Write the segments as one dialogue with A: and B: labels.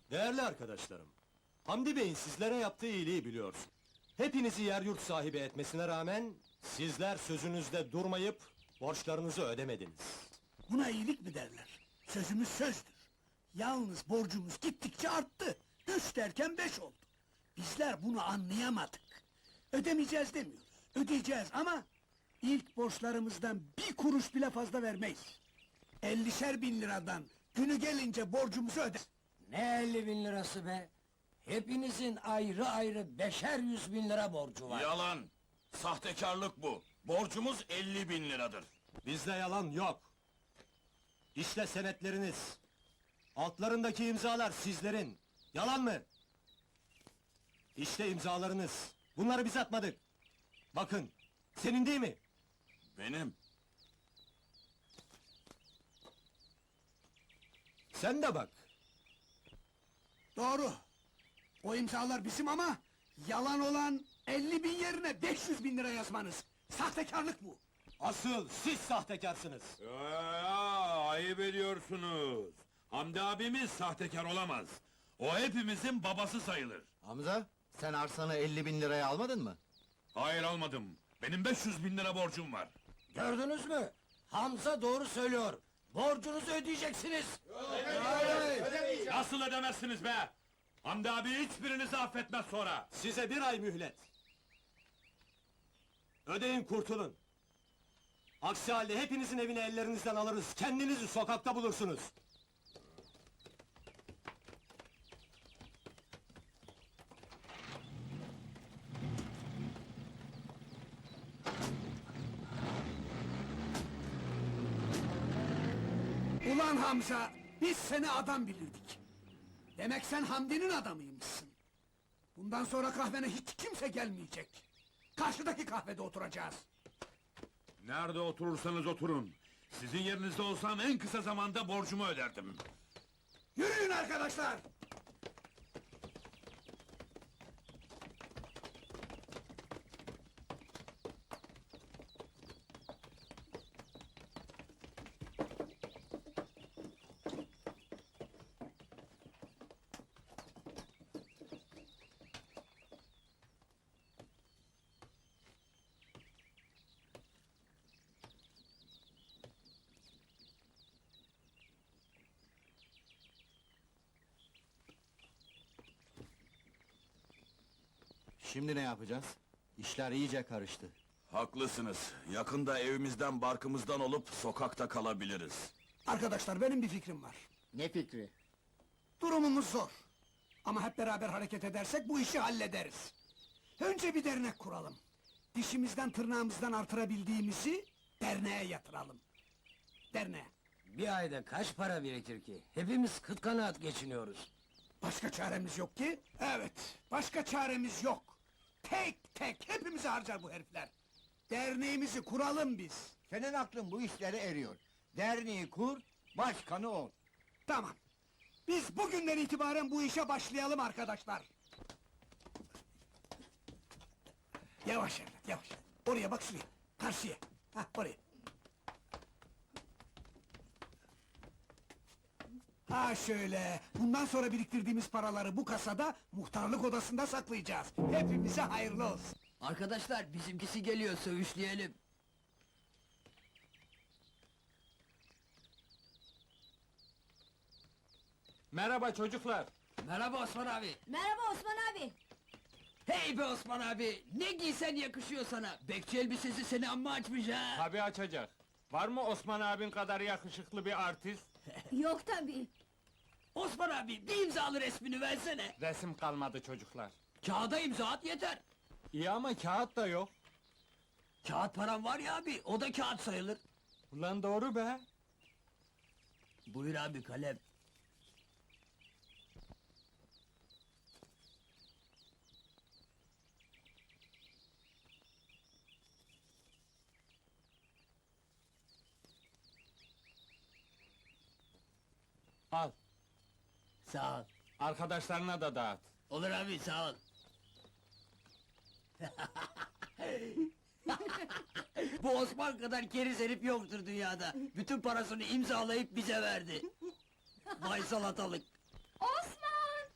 A: Değerli arkadaşlarım, Hamdi Bey'in sizlere yaptığı iyiliği biliyorsun. Hepinizi yer yurt sahibi etmesine rağmen, sizler sözünüzde durmayıp, borçlarınızı ödemediniz.
B: Buna iyilik mi derler? Sözümüz sözdür. Yalnız borcumuz gittikçe arttı. 3 derken 5 oldu. Bizler bunu anlayamadık. Ödemeyeceğiz demiyoruz. Ödeyeceğiz ama ilk borçlarımızdan bir kuruş bile fazla vermeyiz. 50'şer bin liradan günü gelince borcumuzu öde.
C: Ne 50 bin lirası be? Hepinizin ayrı ayrı 500 bin lira borcu var.
D: Yalan! Sahtekarlık bu! Borcumuz 50 bin liradır.
A: Bizde yalan yok. İşte senetleriniz. Altlarındaki imzalar sizlerin. Yalan mı? İşte imzalarınız. Bunları biz atmadık. Bakın, senin değil mi?
D: Benim.
A: Sen de bak.
B: Doğru. O imzalar bizim ama yalan olan 50 bin yerine 500 bin lira yazmanız. Sahtekarlık bu.
A: Asıl siz sahtekarsınız.
E: Ayıp ediyorsunuz. Hamdi abimiz sahtekar olamaz. O hepimizin babası sayılır.
F: Hamza, sen arsanı 50 bin liraya almadın mı?
E: Hayır almadım. Benim 500 bin lira borcum var.
C: Gördünüz mü? Hamza doğru söylüyor. Borcunuzu ödeyeceksiniz.
E: Nasıl ödemezsiniz be? Hamdi abi hiçbirinizi affetmez sonra.
A: Size bir ay mühlet. Ödeyin kurtulun. Aksi halde hepinizin evini ellerinizden alırız, kendinizi sokakta bulursunuz.
B: Ulan Hamza, biz seni adam bilirdik. Demek sen Hamdi'nin adamıymışsın. Bundan sonra kahvene hiç kimse gelmeyecek. Karşıdaki kahvede oturacağız.
E: Nerede oturursanız oturun. Sizin yerinizde olsam en kısa zamanda borcumu öderdim.
B: Yürüyün arkadaşlar!
F: Şimdi ne yapacağız? İşler iyice karıştı.
D: Haklısınız. Yakında evimizden barkımızdan olup sokakta kalabiliriz.
B: Arkadaşlar benim bir fikrim var.
F: Ne fikri?
B: Durumumuz zor. Ama hep beraber hareket edersek bu işi hallederiz. Önce bir dernek kuralım. Dişimizden tırnağımızdan artırabildiğimizi derneğe yatıralım. Derneğe.
C: Bir ayda kaç para birikir ki? Hepimiz kıt kanaat geçiniyoruz.
B: Başka çaremiz yok ki? Evet, başka çaremiz yok. Tek tek hepimizi harcar bu herifler. Derneğimizi kuralım biz.
F: Senin aklın bu işlere eriyor. Derneği kur, başkanı ol.
B: Tamam. Biz bugünden itibaren bu işe başlayalım arkadaşlar. Yavaş evlat, yavaş. Oraya bak şuraya, karşıya. Hah, oraya. Ha şöyle, bundan sonra biriktirdiğimiz paraları bu kasada, muhtarlık odasında saklayacağız. Hepimize hayırlı olsun.
C: Arkadaşlar bizimkisi geliyor, söğüşleyelim.
G: Merhaba çocuklar.
C: Merhaba Osman abi.
H: Merhaba Osman abi.
C: Hey be Osman abi, ne giysen yakışıyor sana. Bekçi elbisesi seni amma açmış ha.
G: Tabii açacak. Var mı Osman abin kadar yakışıklı bir artist?
H: Yok tabii.
C: Osman abi, bir imzalı resmini versene.
G: Resim kalmadı çocuklar.
C: Kağıda imza at yeter.
G: İyi ama kağıt da yok.
C: Kağıt param var ya abi, o da kağıt sayılır.
G: Ulan doğru be.
C: Buyur abi, kalem.
G: Al.
C: Sağ ol.
G: Arkadaşlarına da dağıt.
C: Olur abi, sağ ol. Bu Osman kadar keriz herif yoktur dünyada. Bütün parasını imzalayıp bize verdi. Vay salatalık.
H: Osman!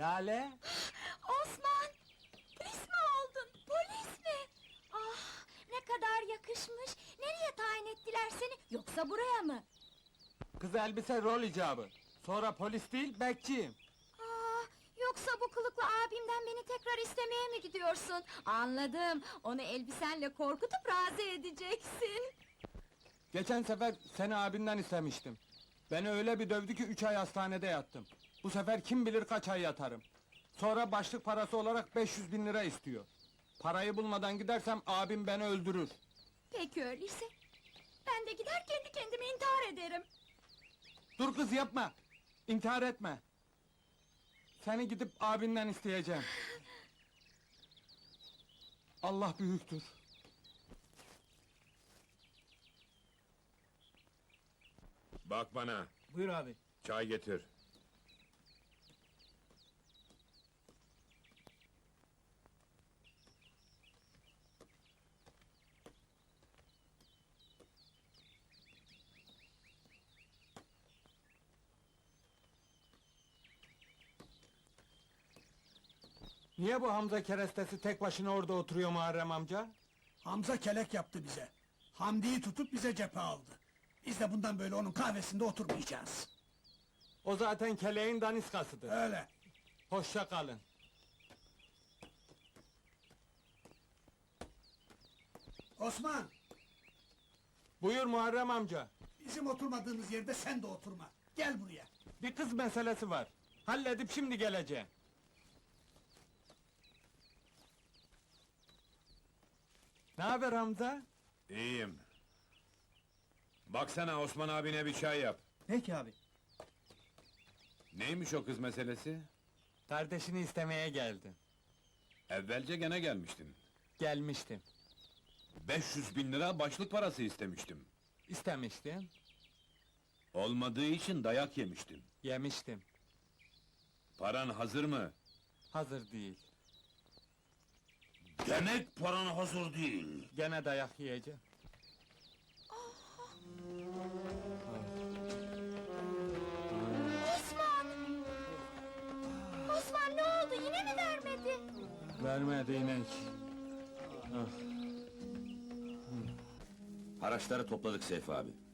G: Lale?
H: Osman! Polis mi oldun? Polis mi? Ah, ne kadar yakışmış! Nereye tayin ettiler seni? Yoksa buraya mı?
G: Kız elbise rol icabı. Sonra polis değil, bekçiyim.
H: Ah, yoksa bu kılıklı abimden beni tekrar istemeye mi gidiyorsun? Anladım, onu elbisenle korkutup razı edeceksin.
G: Geçen sefer seni abinden istemiştim. Beni öyle bir dövdü ki 3 ay hastanede yattım. Bu sefer kim bilir kaç ay yatarım. Sonra başlık parası olarak 500 bin lira istiyor. Parayı bulmadan gidersem abim beni öldürür.
H: Peki öyleyse, ben de gider kendi kendime intihar ederim.
G: Dur kız yapma! İntihar etme! Seni gidip abinden isteyeceğim. Allah büyüktür.
E: Bak bana,
G: Buyur abi.
E: çay getir.
G: Niye bu Hamza kerestesi tek başına orada oturuyor Muharrem amca?
B: Hamza kelek yaptı bize. Hamdi'yi tutup bize cephe aldı. Biz de bundan böyle onun kahvesinde oturmayacağız.
G: O zaten keleğin daniskasıdır.
B: Öyle.
G: Hoşça kalın.
B: Osman,
G: Buyur Muharrem amca.
B: bizim oturmadığımız yerde sen de oturma. Gel buraya.
G: Bir kız meselesi var. Halledip şimdi geleceğim. Ne haber Hamza?
E: İyiyim. Baksana Osman abine bir çay yap.
C: Peki abi.
E: Neymiş o kız meselesi?
G: Kardeşini istemeye geldim.
E: Evvelce gene gelmiştin.
G: Gelmiştim.
E: 500 bin lira başlık parası istemiştim.
G: İstemiştim.
E: Olmadığı için dayak yemiştim.
G: Yemiştim.
E: Paran hazır mı?
G: Hazır değil.
E: Demek paran hazır değil.
G: Gene dayak yiyeceğim.
H: Osman! Osman ne oldu, yine mi vermedi?
G: Vermedi inek.
I: Haraçları topladık Seyfi abi.